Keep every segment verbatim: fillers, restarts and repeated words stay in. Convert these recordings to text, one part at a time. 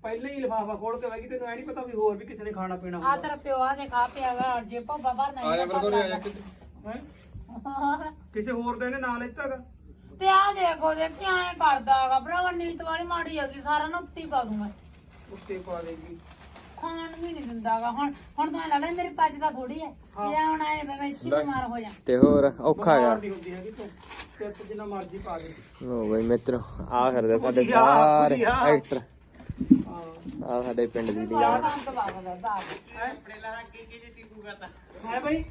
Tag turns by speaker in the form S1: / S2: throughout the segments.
S1: ਪਹਿਲਾਂ ਹੀ ਲਿਫਾਫਾ ਖੋਲ ਕੇ ਬੈਗੀ ਤੈਨੂੰ ਐ ਨਹੀਂ ਪਤਾ ਵੀ ਹੋਰ ਵੀ ਕਿਸੇ ਨੇ ਖਾਣਾ ਪੀਣਾ
S2: ਆ ਤੇਰਾ ਪਿਓ ਆ ਦੇ ਖਾ ਪਿਆਗਾ ਜੇ ਭੱਬਾ ਭਰ ਨਹੀਂ
S3: ਆ ਜਾ ਮੇਰੇ ਕੋਲ ਆ ਜਾ
S1: ਹੈ ਕਿਸੇ ਹੋਰ ਦਾ ਇਹਨੇ ਨਾਂ ਲੈਤਾਗਾ
S2: ਤੇ ਆ ਦੇਖੋ ਦੇਖੀ ਐ ਕਰਦਾਗਾ ਭਰਾਵਾ ਨੀਤ ਵਾਲੀ ਮਾੜੀ ਹੈਗੀ ਸਾਰਾ ਨਾ ਉੱਤੀ ਪਾ ਦੂੰ ਮੈਂ
S1: ਉੱਤੇ ਪਾ ਦੇਗੀ
S2: ਖਾਣ ਵੀ ਨਹੀਂ ਦਿੰਦਾਗਾ ਹੁਣ ਹੁਣ ਤੂੰ ਲੱਗਦਾ ਮੇਰੀ ਪੱਜ ਦਾ ਥੋੜੀ ਐ ਜੇ ਹੁਣ ਆਏ ਮੈਂ ਇੱਥੇ ਬਿਮਾਰ ਹੋ ਜਾ
S4: ਤੇ ਹੋਰ ਔਖਾ ਹੈਗਾ
S1: ਨਹੀਂ ਹੁੰਦੀ ਹੈਗੀ ਤੂੰ ਤੇ ਤੂੰ ਜਿੰਨਾ ਮਰਜ਼ੀ ਪਾ ਦੇ
S4: ਲੋ ਬਈ ਮਿੱਤਰੋ ਆ ਕਰਦੇ ਸਾਡੇ ਸਾਰੇ ਐਕਟਰ ਆ ਸਾਡੇ ਪਿੰਡ ਦੀ ਦੀਆਂ
S2: ਚਾਹ ਤਾਂ ਦਬਾ ਦਾ ਦਾ
S1: ਆਪਣੇ ਲਾ ਕੀ ਕੀ ਜੀ ਤੀਕੂ ਕਰਦਾ ਹੈ ਭਾਈ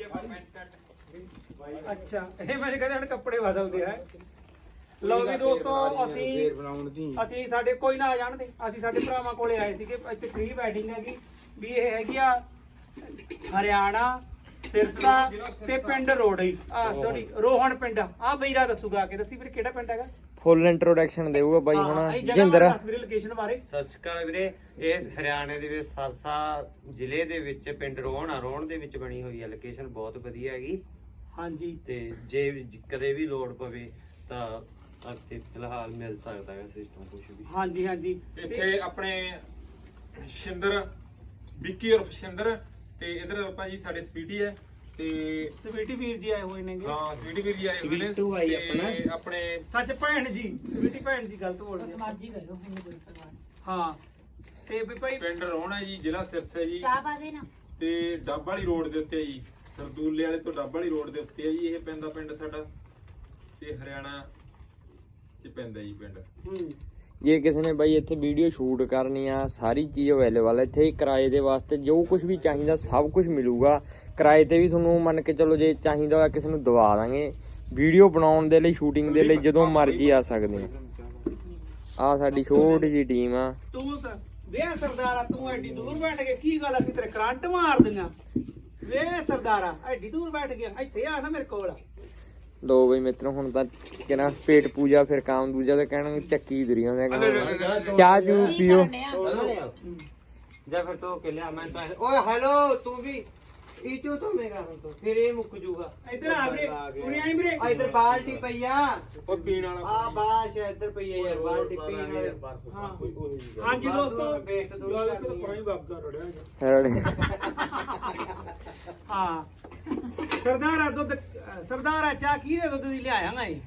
S1: ਅੱਛਾ ਇਹ ਮੇਰੇ ਕਹਿੰਦੇ ਹੁਣ ਕੱਪੜੇ ਬਦਲਦੇ ਹੈ ਲਓ ਵੀ ਦੋਸਤੋ ਅਸੀਂ ਅਸੀਂ ਸਾਡੇ ਕੋਈ ਨਾ ਆ ਜਾਣਦੇ ਅਸੀਂ ਸਾਡੇ ਭਰਾਵਾਂ ਕੋਲੇ ਆਏ ਸੀਗੇ ਇੱਥੇ ਪ੍ਰੀ ਵੈਡਿੰਗ ਹੈਗੀ ਵੀ ਇਹ ਹੈਗੀ ਆ ਹਰਿਆਣਾ ਸਿਰਸਾ ਤੇ ਪਿੰਡ ਰੋੜੀ ਆ ਸੌਰੀ ਰੋਹਣ ਪਿੰਡ ਆ ਬਈਰਾ ਦੱਸੂਗਾ ਆ ਕੇ ਦੱਸੀ ਵੀਰੇ ਕਿਹੜਾ ਪਿੰਡ ਹੈਗਾ
S4: ਫੁੱਲ ਇੰਟਰੋਡਕਸ਼ਨ ਦੇਊਗਾ ਬਾਈ ਹੁਣ ਜਿੰਦਰ
S1: ਲੋਕੇਸ਼ਨ ਬਾਰੇ
S5: ਸਤਿ ਸ਼੍ਰੀ ਅਕਾਲ ਵੀਰੇ ਇਹ ਹਰਿਆਣੇ ਦੇ ਵਿੱਚ ਸਰਸਾ ਜ਼ਿਲ੍ਹੇ ਦੇ ਵਿੱਚ ਪਿੰਡ ਰੋਹਣ ਆ ਰੋਹਣ ਦੇ ਵਿੱਚ ਬਣੀ ਹੋਈ ਹੈ ਲੋਕੇਸ਼ਨ ਬਹੁਤ ਵਧੀਆ ਹੈਗੀ
S1: ਹਾਂਜੀ
S5: ਤੇ ਜੇ ਕਦੇ ਵੀ ਲੋੜ ਪਵੇ ਤਾਂ ਇੱਥੇ ਫਿਲਹਾਲ ਮਿਲ ਸਕਦਾ ਹੈ ਸਿਸਟਮ ਕੁਝ ਵੀ
S1: ਹਾਂਜੀ ਹਾਂਜੀ
S3: ਇੱਥੇ ਆਪਣੇ ਸ਼ਿੰਦਰ ਵਿੱਕੀ ਔਰ ਸ਼ਿੰਦਰ ਤੇ ਇਧਰ ਆਪਾਂ ਜੀ ਸਾਡੇ ਸਵੀਟੀ ਹੈ ਤੇ
S1: ਸਵੀਟੀ ਵੀਰ ਜੀ ਆਏ ਹੋਏ ਨੇਗੇ
S3: ਹਾਂ ਸਵੀਟੀ ਵੀਰ ਜੀ ਆਏ ਹੋਏ ਨੇ
S5: ਸਵੀਟੂ ਆਈ
S3: ਤੇ ਆਪਣੇ
S1: ਸੱਚ ਭੈਣ ਜੀ ਸਵੀਟੀ ਭੈਣ ਜੀ ਗਲਤ ਬੋਲ ਗਏ
S2: ਮਰਜੀ ਗਏ ਪਿੰਡ ਕੋਈ ਪਰਵਾਹ
S1: ਹਾਂ ਤੇ ਵੀ ਭਾਈ
S3: ਪਿੰਡ ਰੋਹਣਾ ਜੀ ਜ਼ਿਲ੍ਹਾ ਸਿਰਸਾ ਜੀ
S2: ਚਾਹ ਪਾ ਦੇ ਨਾ
S3: ਤੇ ਡੱਬ ਵਾਲੀ ਰੋਡ ਦੇ ਉੱਤੇ ਜੀ ਸਰਦੂਲੇ ਵਾਲੇ ਤੋਂ ਡੱਬ ਵਾਲੀ ਰੋਡ ਦੇ ਉੱਤੇ ਹੈ ਜੀ ਇਹ ਪੈਂਦਾ ਪਿੰਡ ਸਾਡਾ ਤੇ ਹਰਿਆਣਾ ਚ ਪੈਂਦਾ ਜੀ ਪਿੰਡ
S1: ਹੂੰ
S4: ਜੇ ਕਿਸੇ ਨੇ ਬਾਈ ਇੱਥੇ ਵੀਡੀਓ ਸ਼ੂਟ ਕਰਨੀ ਆ ਸਾਰੀ ਚੀਜ਼ ਅਵੇਲੇਬਲ ਹੈ ਇੱਥੇ ਕਿਰਾਏ ਦੇ ਵਾਸਤੇ ਜੋ ਕੁਝ ਵੀ ਚਾਹੀਦਾ ਸਭ ਕੁਝ ਮਿਲੂਗਾ ਕਿਰਾਏ ਤੇ ਵੀ ਤੁਹਾਨੂੰ ਮੰਨ ਕੇ ਚਲੋ ਜੇ ਚਾਹੀਦਾ ਹੋਇਆ ਕਿਸੇ ਨੂੰ ਦਵਾ ਦਾਂਗੇ ਵੀਡੀਓ ਬਣਾਉਣ ਦੇ ਲਈ ਸ਼ੂਟਿੰਗ ਦੇ ਲਈ ਜਦੋਂ ਮਰਜ਼ੀ ਆ ਸਕਦੇ ਆ ਆ ਸਾਡੀ ਛੋਟੀ ਜੀ ਟੀਮ ਆ
S1: ਤੂੰ ਤਾਂ ਵੇ ਸਰਦਾਰਾ ਤੂੰ ਐਡੀ ਦੂਰ ਬੈਠ ਕੇ ਕੀ ਗੱਲ ਅਸੀਂ ਤੇਰੇ ਕਰੰਟ ਮਾਰ ਦਿੰਗਾ ਵੇ ਸਰਦਾਰਾ ਐਡੀ ਦੂਰ ਬੈਠ ਗਿਆ ਇੱਥੇ ਆ ਨਾ ਮੇਰੇ ਕੋਲ
S4: ਲੋ ਬਈ ਮਿੱਤਰੋ ਹੁਣ ਤਾਂ ਕਿਹਨਾਂ ਪੇਟ ਪੂਜਾ ਫਿਰ ਕਾਮ ਦੂਜਾ ਤੇ ਕਹਿਣਾ ਚੱਕੀ ਦੁਰੀਆਂ ਦੇ ਚਾਹ ਚੂ ਪੀਓ
S5: ਜਾਂ ਫਿਰ ਤੋ ਕੇ ਲਿਆ ਮੈਂ ਤਾਂ ਓਏ ਹੈਲੋ ਤੂੰ ਵੀ ਈਚੂ ਤੋਂ ਮੇਗਾ ਤੋਂ ਫਿਰ ਇਹ ਮੁੱਕ ਜੂਗਾ
S1: ਇੱਧਰ ਆ ਵੀਰੇ ਪੂਰੀ ਆਈ ਵੀਰੇ
S5: ਆ ਇਧਰ ਬਾਲਟੀ ਪਈ ਆ
S3: ਉਹ ਪੀਣ ਵਾਲਾ
S5: ਆ ਬਾਸ਼ ਇੱਧਰ ਪਈ ਆ ਯਾਰ ਬਾਲਟੀ ਪੀਣ ਵਾਲੀ
S1: ਹਾਂ ਹਾਂਜੀ ਦੋਸਤੋ
S5: ਵੇਖ ਤੂੰ
S1: ਪਾਣੀ ਵਗਦਾ ਰੜਿਆ
S4: ਰੜੇ
S1: ਹਾਂ ਸਰਦਾਰਾ ਦੁੱਧ ਸਰਦਾਰਾ ਚਾਹ ਕਿਹਦੇ ਦੁੱਧ ਦੀ ਲਿਆਇਆਂਗਾ ਇਹ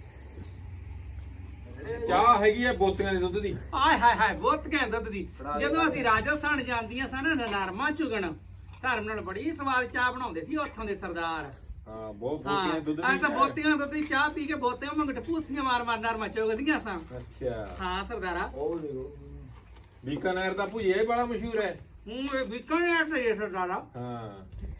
S3: ਚਾਹ ਹੈਗੀ ਆ ਬੋਤੀਆਂ ਦੇ ਦੁੱਧ ਦੀ
S1: ਆਏ ਹਾਏ ਹਾਏ ਬਹੁਤ ਘੈਂਟ ਦੁੱਧ ਦੀ ਜਦੋਂ ਅਸੀਂ ਰਾਜਸਥਾਨ ਜਾਂਦੀਆਂ ਸਨ ਨਰਮਾ ਚੁਗਣ ਧਰਮ ਨਾਲ ਬੜੀ ਸਵਾਦ ਚਾਹ ਬਣਾਉਂਦੇ ਸੀ ਉੱਥੋਂ ਦੇ ਸਰਦਾਰ
S3: ਹਾਂ ਬਹੁਤ
S1: ਹਾਂ
S3: ਬੋਤੀਆਂ ਦੁੱਧ
S1: ਅੱਜ ਤਾਂ ਬੋਤੀਆਂ ਦੁੱਧ ਦੀ ਚਾਹ ਪੀ ਕੇ ਬੋਤੀਆਂ ਮੰਗਟ ਪੂਸੀਆਂ ਮਾਰ ਮਾਰ ਨਰਮਾ ਚੁਗਦੀਆਂ ਸਾਂ
S3: ਅੱਛਾ
S1: ਹਾਂ ਸਰਦਾਰਾ
S3: ਬੀਕਾਨੇਰ ਦਾ ਭੁਜੀਆ ਬੜਾ ਮਸ਼ਹੂਰ ਹੈ
S1: ਹੂੰ ਇਹ ਵਿਕਣਿਆ ਤੇ ਸਰਦਾਰਾ
S3: ਹਾਂ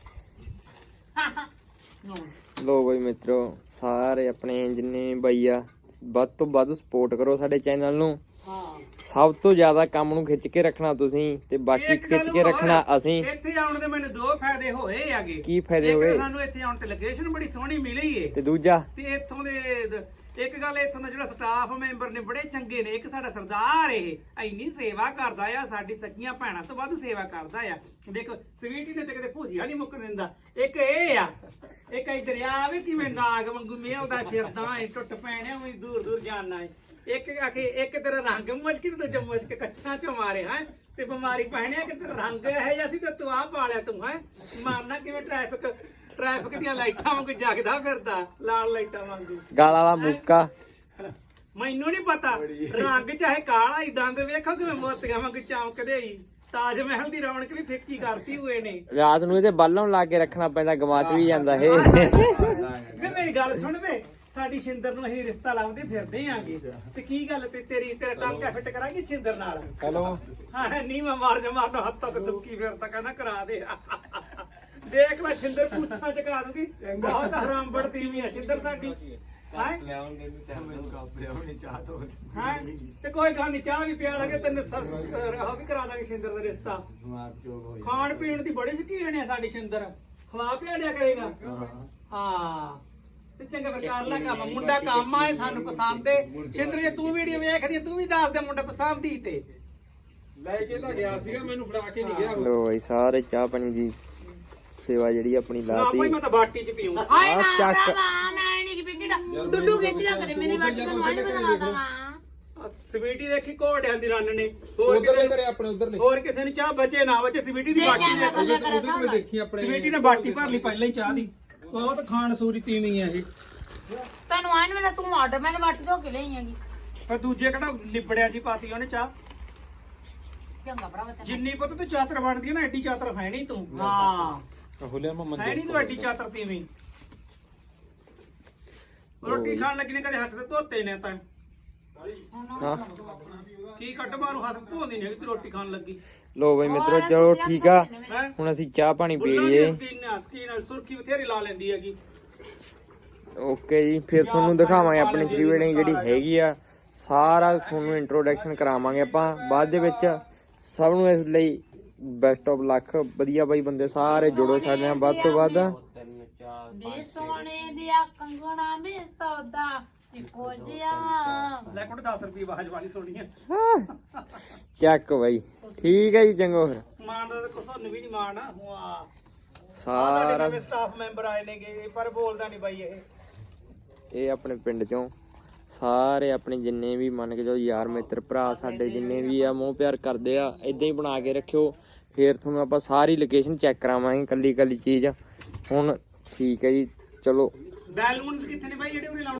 S4: ਲੋ ਬਈ ਮਿੱਤਰੋ ਸਾਰੇ ਆਪਣੇ ਜਿੰਨੇ ਬਾਈ ਆ ਵੱਧ ਤੋਂ ਵੱਧ ਸਪੋਰਟ ਕਰੋ ਸਾਡੇ ਚੈਨਲ ਨੂੰ
S1: ਹਾਂ
S4: ਸਭ ਤੋਂ ਜ਼ਿਆਦਾ ਕੰਮ ਨੂੰ ਖਿੱਚ ਕੇ ਰੱਖਣਾ ਤੁਸੀਂ ਤੇ ਬਾਕੀ
S1: ਇੱਕ ਗੱਲ
S4: ਖਿੱਚ ਕੇ
S1: ਹੋਰ,
S4: ਰੱਖਣਾ ਅਸੀਂ
S1: ਇੱਥੇ ਆਉਣ ਦੇ ਮੈਨੂੰ ਦੋ ਫਾਇਦੇ ਹੋਏ ਆਗੇ
S4: ਕੀ ਫਾਇਦੇ
S1: ਇੱਕ
S4: ਹੋਏ
S1: ਸਾਨੂੰ ਇੱਥੇ ਆਉਣ ਤੇ ਲੋਕੇਸ਼ਨ ਬੜੀ ਸੋਹਣੀ ਮਿਲੀ ਏ
S4: ਤੇ ਦੂਜਾ
S1: ਤੇ ਇੱਥੋਂ ਦੇ ਦ- ਇੱਕ ਗੱਲ ਇੱਥੋਂ ਦਾ ਜਿਹੜਾ ਸਟਾਫ ਮੈਂਬਰ ਨੇ ਬੜੇ ਚੰਗੇ ਨੇ ਇੱਕ ਸਾਡਾ ਸਰਦਾਰ ਇਹ ਇੰਨੀ ਸੇਵਾ ਕਰਦਾ ਆ ਸਾਡੀ ਸਕੀਆਂ ਭੈਣਾਂ ਤੋਂ ਵੱਧ ਸੇਵਾ ਕਰਦਾ ਆ ਦੇਖੋ ਸਵੀਟੀ ਨੇ ਤੇ ਕਿਤੇ ਭੁਜੀਆ ਨਹੀਂ ਮੁੱਕਣ ਦਿੰਦਾ ਇੱਕ ਇਹ ਆ ਇੱਕ ਇਹ ਦਰਿਆ ਵੀ ਕਿਵੇਂ ਨਾਗ ਵਾਂਗੂ ਮੇਵਦਾ ਫਿਰਦਾ ਏ ਟੁੱਟ ਪੈਣਿਆ ਵੀ ਦੂਰ ਦੂਰ ਜਾਣਾ ਏ ਇੱਕ ਆਖੇ ਇੱਕ ਤੇਰਾ ਰੰਗ ਮੁਸ਼ਕਿਲ ਤੇ ਜੋ ਮੁਸ਼ਕ ਕੱਛਾਂ ਚੋਂ ਮਾਰੇ ਹੈ ਤੇ ਬਿਮਾਰੀ ਪਹਿਣਿਆ ਕਿ ਤੇਰਾ ਰੰਗ ਇਹ ਜਿਹਾ ਸੀ ਤੇ ਤੂੰ ਆ ਪਾਲਿਆ ਤੂੰ ਹੈ ਮਾਰਨਾ ਕਿਵੇਂ ਟ੍ਰੈਫਿਕ ਟ੍ਰੈਫਿਕ ਦੀਆਂ ਲਾਈਟਾਂ ਵਾਂਗੂ ਜਗਦਾ ਫਿਰਦਾ ਲਾਲ ਲਾਈਟਾਂ ਵਾਂਗੂ
S4: ਗਾਲ ਵਾਲਾ ਮੁੱਕਾ
S1: ਮੈਨੂੰ ਨਹੀਂ ਪਤਾ ਰੰਗ ਚਾਹੇ ਕਾਲਾ ਹੀ ਦੰਦ ਵੇਖੋ ਕਿਵੇਂ ਮੋਤੀਆਂ ਵਾਂਗੂ ਚਮਕਦੇ ਹੀ ਤਾਜ ਮਹਿਲ ਦੀ ਰੌਣਕ ਵੀ ਫਿੱਕੀ ਕਰਤੀ ਹੋਏ ਨੇ
S4: ਰਾਤ ਨੂੰ ਇਹਦੇ ਬਾਲਣ ਲਾ ਕੇ ਰੱਖਣਾ ਪੈਂਦਾ ਗਵਾਚ ਵੀ ਜਾਂਦਾ ਇਹ
S1: ਵੇ ਮੇਰੀ ਗੱਲ ਸੁਣ ਵੇ ਸਾਡੀ ਸ਼ਿੰਦਰ ਨੂੰ ਅਸੀਂ ਰਿਸ਼ਤਾ ਲਾਉਂਦੇ ਫਿਰਦੇ ਆਂਗੇ ਤੇ ਕੀ ਗੱਲ ਤੇ ਤੇਰੀ ਤੇਰਾ ਟਾਂਕਾ ਫਿੱਟ ਕਰਾਂਗੇ ਸ਼ਿੰਦਰ ਨਾਲ
S3: ਹੈਲੋ
S1: ਹਾਂ ਨੀ ਮੈਂ ਮਾਰ ਜਾ ਮਾਰਨਾ ਹੱਥਾਂ ਤੇ ਦੁੱਕੀ ਫਿਰਦਾ ਕਹਿੰਦਾ ਕਰਾ ਦੇ ਦੇਖ ਲੈ ਸ਼ਿੰਦਰ ਪੁੱਛਾਂ ਚਕਾ ਦੂਗੀ ਬਹੁਤ ਹਰਾਮ ਬੜਤੀ ਵੀ ਆ ਸ਼ਿੰਦਰ ਸਾਡੀ ਹਾਂ ਤੇ ਕੋਈ ਗੱਲ ਨਹੀਂ ਚਾਹ ਵੀ ਪਿਆ ਲਾਂਗੇ ਤੈਨੂੰ ਉਹ ਵੀ ਕਰਾ ਦਾਂਗੇ ਸ਼ਿੰਦਰ ਦਾ ਰਿਸ਼ਤਾ ਖਾਣ ਪੀਣ ਦੀ ਬੜੀ ਸ਼ੌਕੀਨ ਹੈ ਸਾਡੀ ਸ਼ਿੰਦਰ ਖਵਾ ਪਿਆ ਦਿਆ ਕਰੇਗਾ ਹਾਂ ਤੇ ਚੰਗਾ ਫਿਰ ਕਰ ਲੈ ਕੰਮ ਮੁੰਡਾ ਕੰਮ ਆਏ ਸਾਨੂੰ ਪਸੰਦ ਏ ਸ਼ਿੰਦਰ ਜੇ ਤੂੰ ਵੀਡੀਓ ਵੇਖਦੀ ਤੂੰ ਵੀ ਦੱਸ ਦੇ ਮੁੰਡਾ ਪਸੰਦ ਹੀ ਤੇ
S3: ਲੈ ਕੇ ਤਾਂ ਗਿਆ ਸੀਗਾ ਮੈਨੂੰ ਫੜਾ ਕੇ ਨਹੀਂ ਗਿਆ
S4: ਲੋ ਬਈ ਸਾਰੇ ਚਾਹ ਪਾਣੀ ਦੀ ਸੇਵਾ ਜਿਹੜੀ ਆਪਣੀ
S1: ਨਾ
S4: ਲਾਤੀ
S1: ਭਾਈ ਮੈਂ ਤਾਂ ਬਾਟੀ ਚ ਪੀਊਂ
S2: ਹਾਏ ਨਾ
S4: ਚੱਕ।
S2: ਭਰਾਵਾ ਮੈਂ ਨਹੀਂ ਕਿ ਬਿਕੜਾ ਡੁੱਡੂ ਖਿੱਚ ਲਿਆ ਕਰੇ ਮੇਰੀ ਵਾਟੀ ਤੋਂ ਵਾਲੀ ਬਣਾ ਦਵਾਂ
S1: ਸਵੀਟੀ ਦੇਖੀ ਘੋੜਿਆਂ ਦੀ ਰੰਨ ਨੇ ਹੋਰ
S3: ਉਧਰਲੇ
S1: ਕਿਸੇ
S3: ਘਰੇ ਆਪਣੇ ਉਧਰਲੇ
S1: ਹੋਰ ਕਿਸੇ ਨੂੰ ਚਾਹ ਬਚੇ ਨਾ ਬਚੇ ਸਵੀਟੀ ਦੀ
S2: ਜੇ
S1: ਬਾਟੀ
S2: ਕੈਮਰਾ
S1: ਨੇ
S2: ਥੱਲੇ ਕਰੇ
S3: ਉਹਦੇ ਕੋਲ ਦੇਖੀ ਆਪਣੇ
S1: ਸਵੀਟੀ ਨੇ ਬਾਟੀ ਭਰ ਲਈ ਪਹਿਲਾਂ ਹੀ ਚਾਹ ਦੀ ਉਹ ਤਾਂ ਖਾਣ ਸੂਰੀ ਤੀਵੀਂ ਆ ਇਹ
S2: ਤੈਨੂੰ ਆਣ ਵੇਲੇ ਤੂੰ ਆਡ ਮੈਨੇ ਵੱਟ ਧੋ ਕੇ ਲਈ ਹੈਗੀ
S1: ਪਰ ਦੂਜੇ ਕਿਹੜਾ ਲਿਬੜਿਆ ਜੀ ਪਾਤੀ ਉਹਨੇ ਚਾਹ
S2: ਚੰਗਾ ਭਰਾਵਾ ਤੈਨੂੰ
S1: ਜਿੰਨੀ ਪੁੱਤ ਤੂੰ ਚਾਤਰ ਬਣਦੀ ਆ ਨਾ ਐਡੀ ਚਾਤਰ ਹੈ ਨਹੀਂ ਤੂੰ ਹਾਂ
S3: ਹੁਲਿਆ ਮਮਨ
S1: ਹੈ ਨਹੀਂ ਤੂੰ ਐਡੀ ਚਾਤਰ ਤੀਵੀਂ ਰੋਟੀ ਖਾਣ ਲੱਗੀ ਨੇ ਕਦੇ ਹੱਥ ਤੇ ਧੋਤੇ ਨੇ ਤਾਂ
S4: ਹਾਂ
S1: ਕੀ ਕੱਟ ਮਾਰੂ ਹੱਥ ਧੋਂਦੀ ਨਹੀਂ ਤੂੰ ਰੋਟੀ ਖਾਣ ਲੱਗੀ
S4: ਲੋ ਬਈ ਮਿੱਤਰੋ ਚਲੋ ਠੀਕ ਆ
S1: ਹੈ
S4: ਹੁਣ ਅਸੀਂ ਚਾਹ ਪਾਣੀ ਪੀ
S1: ਬੁੱਲਾਂ
S4: ਲਈਏ
S1: ਦੀ ਸਕੀਨ ਨਾਲ ਸਕੀਨ ਨਾਲ ਸੁਰਖੀ ਬਥੇਰੀ ਲਾ ਲੈਂਦੀ ਹੈਗੀ
S4: ਓਕੇ ਜੀ ਫਿਰ ਤੁਹਾਨੂੰ ਦਿਖਾਵਾਂਗੇ ਆਪਣੀ ਪ੍ਰੀ ਵੈਡਿੰਗ ਜਿਹੜੀ ਹੈਗੀ ਆ ਸਾਰਾ ਤੁਹਾਨੂੰ ਇੰਟਰੋਡਕਸ਼ਨ ਕਰਾਵਾਂਗੇ ਆਪਾਂ ਬਾਅਦ ਦੇ ਵਿੱਚ ਸਭ ਨੂੰ ਇਸ ਲਈ ਬੈਸਟ ਆਫ ਲੱਕ ਵਧੀਆ ਬਾਈ ਬੰਦੇ ਸਾਰੇ ਜੁੜੋ ਸਾਡੇ ਨਾਲ ਵੱਧ ਤੋਂ ਵੱਧ
S5: ਤਿੰਨ ਚਾਰ
S2: ਬੇ ਸੋਹਣੇ ਦਿਆ ਕੰਗਣਾ ਮੇ ਸੌਦਾ ਇੱਕੋ ਜਿਹਾ
S1: ਲੈ ਕੋਟ ਦਸ ਰੁਪਏ ਆਵਾਜ਼ ਵਾਲੀ ਸੋਣੀ ਹੈ
S4: ਚੱਕ ਬਾਈ ਠੀਕ ਹੈ ਜੀ ਚੰਗੋ ਫਿਰ
S1: ਮਾਣ ਦਾ ਤਾਂ ਤੁਹਾਨੂੰ ਵੀ ਨਹੀਂ ਮਾਣ ਆ ਵਾਹ
S4: ਸਾਰਾ
S1: ਨਵੇਂ ਸਟਾਫ ਮੈਂਬਰ ਆਏ ਨੇਗੇ ਪਰ ਬੋਲਦਾ ਨਹੀਂ ਬਾਈ ਇਹ
S4: ਇਹ ਆਪਣੇ ਪਿੰਡ ਚੋਂ ਸਾਰੇ ਆਪਣੇ ਜਿੰਨੇ ਵੀ ਮੰਨ ਕੇ ਚਲੋ ਯਾਰ ਮਿੱਤਰ ਭਰਾ ਸਾਡੇ ਜਿੰਨੇ ਵੀ ਆ ਮੋਹ ਪਿਆਰ ਕਰਦੇ ਆ ਇਦਾਂ ਹੀ ਬਣਾ ਕੇ ਰੱਖਿਓ ਫੇਰ ਤੁਹਾਨੂੰ ਆਪਾਂ ਸਾਰੀ ਲੋਕੇਸ਼ਨ ਚੈੱਕ ਕਰਾਵਾਂਗੇ ਕੱਲੀ ਕੱਲੀ ਚੀਜ਼ ਹੁਣ ਠੀਕ ਹੈ ਜੀ ਚਲੋ
S1: ਬੈਲੂਨਸ ਕਿੱਥੇ ਨੇ ਬਾਈ ਜਿਹੜੇ ਉਹਨੇ ਲਾਉਣੇ